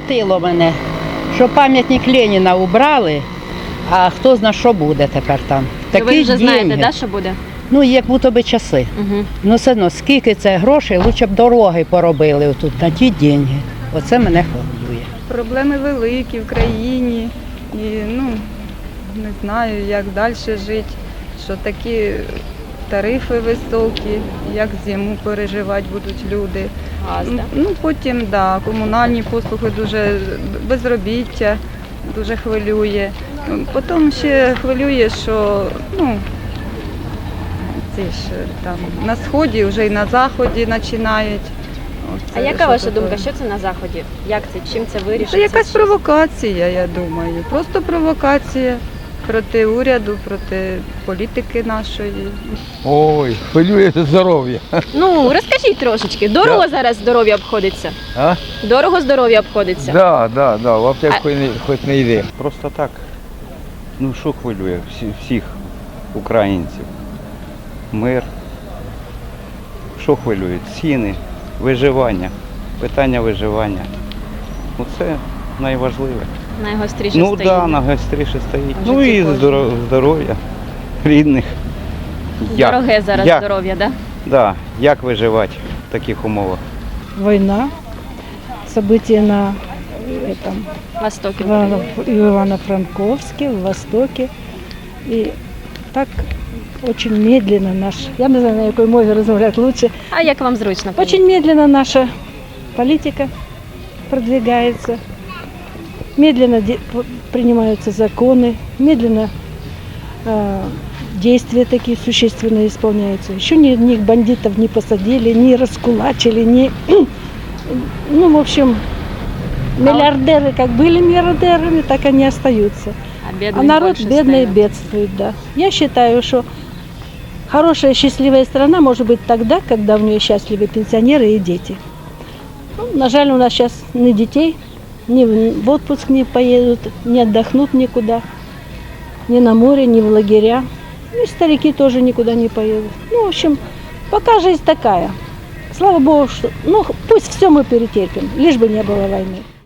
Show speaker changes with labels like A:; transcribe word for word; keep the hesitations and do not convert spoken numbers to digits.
A: Хватило мене, що пам'ятник Леніна убрали, а хто знає, що буде тепер там.
B: Ну, ви
A: Такі
B: вже знаєте,
A: деньги.
B: да, що буде?
A: Ну, як будто би часи.
B: Угу.
A: Ну, все одно, скільки це грошей, лучше б дороги поробили тут на ті деньги. Оце мене хвилює.
C: Проблеми великі в країні і ну, не знаю, як далі жити, що такі тарифи високі, як зиму переживати будуть люди.
B: Газ, да?
C: Ну, потім, да, комунальні послуги дуже, безробіття дуже хвилює. Потім ще хвилює, що ну, ці ж там на сході, вже і на заході починають.
B: А яка ваша думка, що це на Заході? Як це, чим це вирішиться?
C: Це якась
B: Що-
C: провокація, я думаю. Просто провокація проти уряду, проти політики нашої.
D: Ой, хвилює здоров'я.
B: Ну, розкажіть трошечки. Дорого зараз здоров'я обходиться?
D: А?
B: Дорого здоров'я обходиться?
D: Да, да, да, в аптеку
B: А-
D: хоч не, хоч не йде.
E: Просто так. Ну що хвилює всі, всіх українців? Мир. Що хвилює? Ціни, виживання, питання виживання. Ну це найважливе.
B: Найгостріше
E: Ну
B: стоїть.
E: так, да, найгостріше стоїть.
B: В
E: Ну
B: житті
E: і
B: кожного.
E: здоро- здоров'я рідних. Як?
B: Дороге зараз
E: Як?
B: здоров'я, да?
E: Да, як виживати в таких умовах?
F: Война, события на этом,
B: Востокі.
F: Ивано- в Ивано-Франковске, в Востоке. И так очень медленно наш, я не знаю, на какой мове разговаривать лучше,
B: А як вам зручно?
F: очень медленно наша политика продвигается, медленно де- п- принимаются законы, медленно э, действия такие существенные исполняются. Еще ни, ни бандитов не посадили, не раскулачили, ни, ну, в общем, миллиардеры как были миллиардерами, так они остаются.
B: А,
F: А
B: бідний
F: народ
B: більше
F: бедный
B: стає.
F: бедствует, да. Я считаю, что хорошая, счастливая страна может быть тогда, когда в нее счастливы пенсионеры и дети. Ну, на жаль, у нас сейчас ни детей, ни в в отпуск не поедут, не отдохнут никуда, ни на море, ни в лагеря. Ну, и старики тоже никуда не поедут. Ну, в общем, пока жизнь такая. Слава Богу, что, ну, пусть все мы перетерпим, лишь бы не было войны.